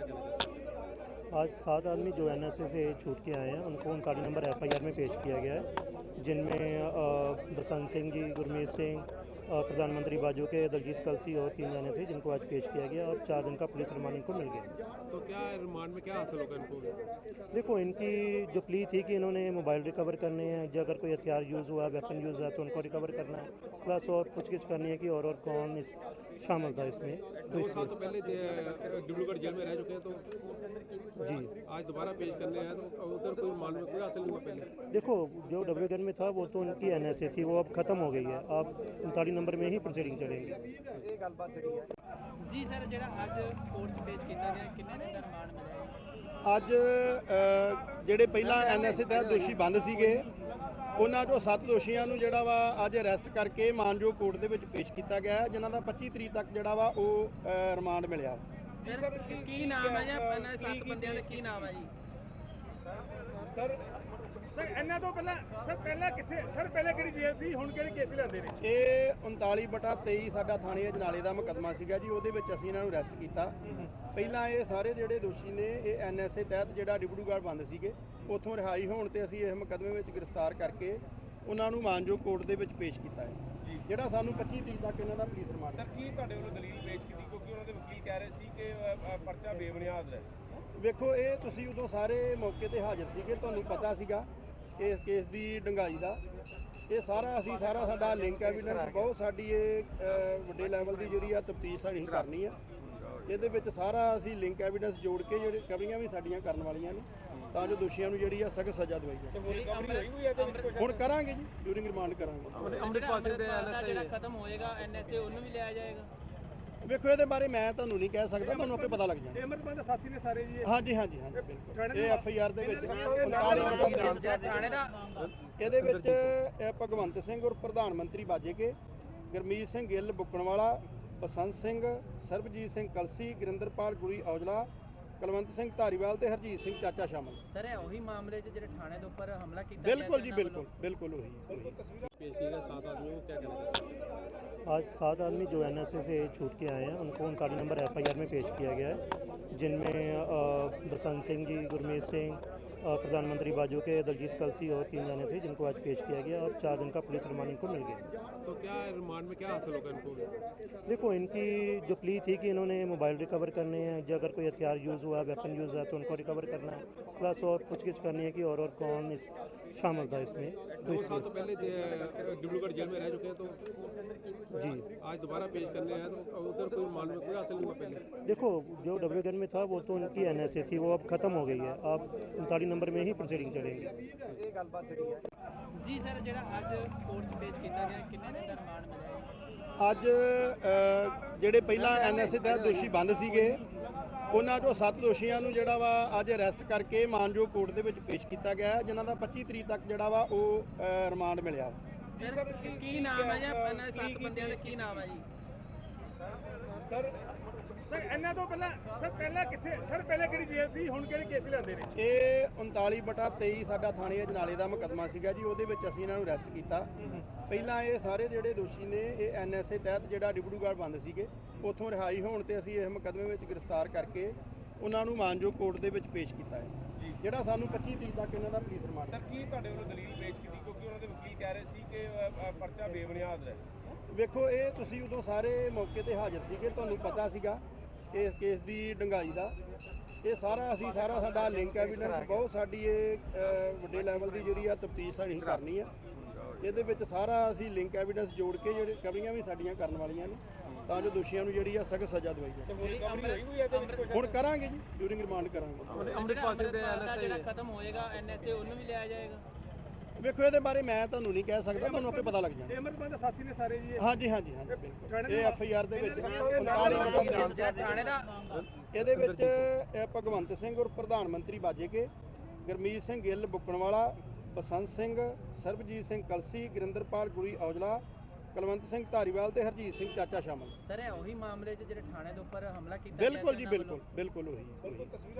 आज 7 आदमी जो एनएसए से छूट के आए हैं उनको 39 नंबर एफआईआर में पेश किया गया है, जिनमें बसंत सिंह जी, गुरमीत सिंह, प्रधानमंत्री बाजू के दलजीत कलसी और 3 जाने थे जिनको आज पेश किया गया और 4 दिन का पुलिस रिमांड इनको मिल गया। तो क्या रिमांड में क्या हासिल होगा इनको? देखो, इनकी जो प्ली थी कि इन्होंने मोबाइल रिकवर करने हैं, जो अगर कोई हथियार यूज़ हुआ, वेपन यूज़ हुआ तो उनको रिकवर करना है, प्लस और पूछगिछ करनी है कि और कौन इस शामिल था इसमें। 2 साल तो पहले डिब्रूगढ़ जेल में रह चुके हैं, तो जी आज दोबारा पेश करने हैं, तो उधर कोई रिमांड में कोई हासिल नहीं हुआ पहले? देखो, जो डब्ल्यूगढ़ में था वो तो उनकी एनएसए थी, वो अब खत्म हो गई है। अब 39 नंबर में ही प्रोसीडिंग चलेगी। जी सर, ਜਿਹੜਾ ਅੱਜ ਕੋਰਟ 'ਚ ਪੇਸ਼ ਕੀਤਾ ਗਿਆ, ਕਿੰਨੇ ਦਿਨ ਦਾ ਰਿਮਾਂਡ ਮਿਲਿਆ ਜੀ? ਅੱਜ ਜਿਹੜੇ ਪਹਿਲਾਂ ਐਨਐਸਏ ਤਹਿਤ ਦੋਸ਼ੀ ਬੰਦ ਸੀਗੇ ਉਹਨਾਂ ਚੋਂ 7 ਦੋਸ਼ੀਆਂ ਨੂੰ ਜਿਹੜਾ ਵਾ ਅੱਜ ਅਰੈਸਟ ਕਰਕੇ ਮਾਨਜੋਗ ਕੋਰਟ ਦੇ ਵਿੱਚ ਪੇਸ਼ ਕੀਤਾ ਗਿਆ ਹੈ, ਜਿਨ੍ਹਾਂ ਦਾ 25 ਤਰੀਕ ਤੱਕ ਜਿਹੜਾ ਵਾ ਉਹ ਰਿਮਾਂਡ ਮਿਲਿਆ। ਸਰ ਕੀ ਨਾਮ ਹੈ ਜੀ ਇਹਨਾਂ 7 ਬੰਦਿਆਂ ਦਾ, ਕੀ ਨਾਮ ਹੈ ਜੀ? ਸਰ ਇਹਨਾਂ ਤੋਂ ਪਹਿਲਾਂ ਕਿੱਥੇ ਸਰ, ਪਹਿਲਾਂ ਕਿਹੜੀ ਜੇਲ੍ਹ ਸੀ, ਹੁਣ ਕਿਹੜੇ ਕੇਸ ਲੈਂਦੇ ਨੇ? ਇਹ 39/23 ਸਾਡਾ ਥਾਣੇ ਅਜਨਾਲੇ ਦਾ ਮੁਕੱਦਮਾ ਸੀਗਾ ਜੀ, ਉਹਦੇ ਵਿੱਚ ਅਸੀਂ ਇਹਨਾਂ ਨੂੰ ਅਰੈਸਟ ਕੀਤਾ। ਪਹਿਲਾਂ ਇਹ ਸਾਰੇ ਜਿਹੜੇ ਦੋਸ਼ੀ ਨੇ ਇਹ ਐਨਐਸਏ ਤਹਿਤ ਜਿਹੜਾ ਡਿਬਰੂਗੜ੍ਹ ਬੰਦ ਸੀਗੇ ਉੱਥੋਂ ਰਿਹਾਈ ਹੋਣ ਤੇ ਅਸੀਂ ਇਸ ਮੁਕੱਦਮੇ ਵਿੱਚ ਗ੍ਰਿਫਤਾਰ ਕਰਕੇ ਉਹਨਾਂ ਨੂੰ ਮਾਨਜੋਗ ਕੋਰਟ ਦੇ ਵਿੱਚ ਪੇਸ਼ ਕੀਤਾ ਹੈ, ਜਿਹੜਾ ਸਾਨੂੰ 25 ਤਰੀਕ ਤੱਕ ਇਹਨਾਂ ਦਾ ਪੁਲਿਸ ਰਿਮਾਂਡ। ਸਰ ਕੀ ਤੁਹਾਡੇ ਵੱਲੋਂ ਦਲੀਲ ਪੇਸ਼ ਕੀਤੀ, ਕਿਉਂਕਿ ਉਹਨਾਂ ਦੇ ਵਕੀਲ ਕਹਿ ਰਹੇ ਸੀ ਕਿ ਪਰਚਾ ਬੇਬੁਨਿਆਦ ਹੈ? ਵੇਖੋ, ਇਹ ਤੁਸੀਂ ਉਦੋਂ ਸਾਰੇ ਮੌਕੇ ਤੇ ਹਾਜ਼ਰ ਸੀਗੇ, ਤੁਹਾਨੂੰ ਪਤਾ ਸੀਗਾ ਇਸ ਕੇਸ ਦੀ ਡੰਗਾਈ ਦਾ। ਇਹ ਸਾਰਾ ਸਾਡਾ ਲਿੰਕ ਐਵੀਡੈਂਸ ਬਹੁਤ ਸਾਡੀ ਇਹ ਵੱਡੇ ਲੈਵਲ ਦੀ ਜਿਹੜੀ ਆ ਤਫਤੀਸ਼ ਅਸੀਂ ਕਰਨੀ ਆ। ਇਹਦੇ ਵਿੱਚ ਸਾਰਾ ਅਸੀਂ ਲਿੰਕ ਐਵੀਡੈਂਸ ਜੋੜ ਕੇ ਜਿਹੜੇ ਰਿਕਵਰੀਆਂ ਵੀ ਸਾਡੀਆਂ ਕਰਨ ਵਾਲੀਆਂ ਨੇ, ਤਾਂ ਜੋ ਦੋਸ਼ੀਆਂ ਨੂੰ ਜਿਹੜੀ ਆ ਸਖਤ ਸਜ਼ਾ ਦਵਾਈ ਜਾਵੇ। ਹੁਣ ਕਰਾਂਗੇ ਜੀ, ਡਿਊਰਿੰਗ ਰਿਮਾਂਡ ਕਰਾਂਗੇ। ਅੰਮ੍ਰਿਤਪਾਲ ਦਾ ਜਿਹੜਾ ਖਤਮ ਹੋਏਗਾ ਐਨਐਸਏ, ਉਹਨੂੰ ਵੀ ਲਿਆ ਜਾਏਗਾ? ਵੇਖੋ, ਇਹਦੇ ਬਾਰੇ ਮੈਂ ਤੁਹਾਨੂੰ ਨਹੀਂ ਕਹਿ ਸਕਦਾ, ਤੁਹਾਨੂੰ ਆਪੇ ਪਤਾ ਲੱਗ ਜਾਣਾ। ਅਮਰਪਾਲ ਦੇ ਸਾਥੀ ਨੇ ਸਾਰੇ ਜੀ? ਹਾਂਜੀ, ਬਿਲਕੁਲ। ਇਹ ਐਫਆਈਆਰ ਦੇ ਵਿੱਚ 39 ਥਾਣੇ ਦਾ ਇਹਦੇ ਵਿੱਚ ਭਗਵੰਤ ਸਿੰਘ ਔਰ ਪ੍ਰਧਾਨ ਮੰਤਰੀ ਬਾਜੇਕੇ, ਗੁਰਮੀਤ ਸਿੰਘ ਗਿੱਲ ਬੁੱਕਣਵਾਲਾ, ਬਸੰਤ ਸਿੰਘ, ਸਰਬਜੀਤ ਸਿੰਘ ਕਲਸੀ, ਗੁਰਿੰਦਰਪਾਲ ਗੁਰੀ ਔਜਲਾ, ਕੁਲਵੰਤ ਸਿੰਘ ਧਾਰੀਵਾਲ ਤੇ ਹਰਜੀਤ ਸਿੰਘ ਚਾਚਾ ਸ਼ਾਮਲ। ਸਰ ਇਹ ਉਹੀ ਮਾਮਲੇ 'ਚ ਜਿਹੜੇ ਥਾਣੇ ਦੇ ਉੱਪਰ ਹਮਲਾ ਕੀਤਾ ਬਿਲकुल जी, बिल्कुल वही। पेश किया गया 7 आदमियों को, क्या कहना? आज 7 आदमी जो एनएसए से छूट के आए हैं उनको 39 नंबर एफआईआर में पेश किया गया है, जिनमें बसंत सिंह जी, गुरमीत सिंह, प्रधानमंत्री बाजू के दलजीत कलसी और 3 जाने थे जिनको आज पेश किया गया और 4 दिन का पुलिस रिमांड इनको मिल गया। तो क्या रिमांड में क्या हासिल होगा इनको? देखो, इनकी जो प्ली थी कि इन्होंने मोबाइल रिकवर करने हैं, जो अगर कोई हथियार यूज़ हुआ, वेपन यूज़ हुआ तो उनको रिकवर करना है, प्लस और पूछगिछ करनी है कि और कौन इस शामिल था इसमें। 2 साल तो पहले डिब्रूगढ़ जेल में रह चुके हैं, तो जी आज दोबारा पेश करने हैं, तो उधर कोई रिमांड में कोई हासिल नहीं हुआ पहले? देखो, जो डब्ल्यूगढ़ में था वो तो उनकी एनएसए थी, वो अब खत्म हो गई है। अब 39 नंबर में ही प्रोसीडिंग चलेगी। ਜੀ ਸਰ, ਜਿਹੜਾ ਅੱਜ ਕੋਰਟ 'ਚ ਪੇਸ਼ ਕੀਤਾ ਗਿਆ, ਕਿੰਨੇ ਦਿਨ ਦਾ ਰਿਮਾਂਡ ਮਿਲਿਆ ਜੀ? ਅੱਜ ਜਿਹੜੇ ਪਹਿਲਾਂ ਐਨਐਸਏ ਤਹਿਤ ਦੋਸ਼ੀ ਬੰਦ ਸੀਗੇ ਉਹਨਾਂ ਚੋਂ 7 ਦੋਸ਼ੀਆਂ ਨੂੰ ਜਿਹੜਾ ਵਾ ਅੱਜ ਅਰੈਸਟ ਕਰਕੇ ਮਾਨਜੋਗ ਕੋਰਟ ਦੇ ਵਿੱਚ ਪੇਸ਼ ਕੀਤਾ ਗਿਆ ਹੈ, ਜਿਨ੍ਹਾਂ ਦਾ 25 ਤਰੀਕ ਤੱਕ ਜਿਹੜਾ ਵਾ ਉਹ ਰਿਮਾਂਡ ਮਿਲਿਆ। ਸਰ ਕੀ ਨਾਮ ਹੈ ਜੀ ਇਹਨਾਂ 7 ਬੰਦਿਆਂ ਦਾ, ਕੀ ਨਾਮ ਹੈ ਜੀ? ਸਰ ਇਹਨਾਂ ਤੋਂ ਪਹਿਲਾਂ ਕਿੱਥੇ ਸਰ, ਪਹਿਲਾਂ ਕਿਹੜੀ ਜੇਲ੍ਹ ਸੀ, ਹੁਣ ਕਿਹੜੇ ਕੇਸ ਲੈਂਦੇ ਨੇ? ਇਹ 39/23 ਸਾਡਾ ਥਾਣੇ ਅਜਨਾਲੇ ਦਾ ਮੁਕੱਦਮਾ ਸੀਗਾ ਜੀ, ਉਹਦੇ ਵਿੱਚ ਅਸੀਂ ਇਹਨਾਂ ਨੂੰ ਅਰੈਸਟ ਕੀਤਾ। ਪਹਿਲਾਂ ਇਹ ਸਾਰੇ ਜਿਹੜੇ ਦੋਸ਼ੀ ਨੇ ਇਹ ਐਨਐਸਏ ਤਹਿਤ ਜਿਹੜਾ ਡਿਬਰੂਗੜ੍ਹ ਬੰਦ ਸੀਗੇ ਉੱਥੋਂ ਰਿਹਾਈ ਹੋਣ ਤੇ ਅਸੀਂ ਇਸ ਮੁਕੱਦਮੇ ਵਿੱਚ ਗ੍ਰਿਫਤਾਰ ਕਰਕੇ ਉਹਨਾਂ ਨੂੰ ਮਾਨਜੋਗ ਕੋਰਟ ਦੇ ਵਿੱਚ ਪੇਸ਼ ਕੀਤਾ ਹੈ, ਜਿਹੜਾ ਸਾਨੂੰ 25 ਤਰੀਕ ਤੱਕ ਇਹਨਾਂ ਦਾ ਪੁਲਿਸ ਰਿਮਾਂਡ। ਸਰ ਕੀ ਤੁਹਾਡੇ ਵੱਲੋਂ ਦਲੀਲ ਪੇਸ਼ ਕੀਤੀ, ਕਿਉਂਕਿ ਉਹਨਾਂ ਦੇ ਵਕੀਲ ਕਹਿ ਰਹੇ ਸੀ ਕਿ ਪਰਚਾ ਬੇਬੁਨਿਆਦ ਹੈ? ਵੇਖੋ, ਇਹ ਤੁਸੀਂ ਉਦੋਂ ਸਾਰੇ ਮੌਕੇ ਤੇ ਹਾਜ਼ਰ ਸੀਗੇ, ਤੁਹਾਨੂੰ ਪਤਾ ਸੀਗਾ ਇਸ ਕੇਸ ਦੀ ਡੰਗਾਈ ਦਾ। ਇਹ ਸਾਰਾ ਸਾਡਾ ਲਿੰਕ ਐਵੀਡੈਂਸ ਬਹੁਤ ਸਾਡੀ ਇਹ ਵੱਡੇ ਲੈਵਲ ਦੀ ਜਿਹੜੀ ਆ ਤਫਤੀਸ਼ ਅਸੀਂ ਕਰਨੀ ਆ। ਇਹਦੇ ਵਿੱਚ ਸਾਰਾ ਅਸੀਂ ਲਿੰਕ ਐਵੀਡੈਂਸ ਜੋੜ ਕੇ ਜਿਹੜੇ ਰਿਕਵਰੀਆਂ ਵੀ ਸਾਡੀਆਂ ਕਰਨ ਵਾਲੀਆਂ ਨੇ, ਤਾਂ ਜੋ ਦੋਸ਼ੀਆਂ ਨੂੰ ਜਿਹੜੀ ਆ ਸਖਤ ਸਜ਼ਾ ਦਵਾਈ ਜਾਵੇ। ਹੁਣ ਕਰਾਂਗੇ ਜੀ, ਡਿਊਰਿੰਗ ਰਿਮਾਂਡ ਕਰਾਂਗੇ। ਅੰਮ੍ਰਿਤਪਾਲ ਦਾ ਜਿਹੜਾ ਖਤਮ ਹੋਏਗਾ ਐਨਐਸਏ, ਉਹਨੂੰ ਵੀ ਲਿਆ ਜਾਏਗਾ? ਵੇਖੋ, ਇਹਦੇ ਬਾਰੇ ਮੈਂ ਤੁਹਾਨੂੰ ਨਹੀਂ ਕਹਿ ਸਕਦਾ, ਤੁਹਾਨੂੰ ਆਪੇ ਪਤਾ ਲੱਗ ਜਾਣਾ। ਅਮਰਪਾਲ ਦੇ ਸਾਥੀ ਨੇ ਸਾਰੇ ਜੀ? ਹਾਂਜੀ, ਬਿਲकुल। ਇਹ ਐਫਆਈਆਰ ਦੇ ਵਿੱਚ 39 ਥਾਣੇ ਦਾ ਇਹਦੇ ਵਿੱਚ ਭਗਵੰਤ ਸਿੰਘ ਔਰ ਪ੍ਰਧਾਨ ਮੰਤਰੀ ਬਾਜੇਕੇ, ਗੁਰਮੀਤ ਸਿੰਘ ਗਿੱਲ ਬੁੱਕਣਵਾਲਾ, ਬਸੰਤ ਸਿੰਘ, ਸਰਬਜੀਤ ਸਿੰਘ ਕਲਸੀ, ਗੁਰਿੰਦਰਪਾਲ ਗੁਰੀ ਔਜਲਾ, ਕੁਲਵੰਤ ਸਿੰਘ ਧਾਰੀਵਾਲ ਤੇ ਹਰਜੀਤ ਸਿੰਘ ਚਾਚਾ ਸ਼ਾਮਲ। ਸਰ ਇਹ ਉਹੀ ਮਾਮਲੇ 'ਚ ਜਿਹੜੇ ਥਾਣੇ ਦੇ ਉੱਪਰ ਹਮਲਾ ਕੀਤਾ ਬਿਲकुल जी, बिल्कुल वही।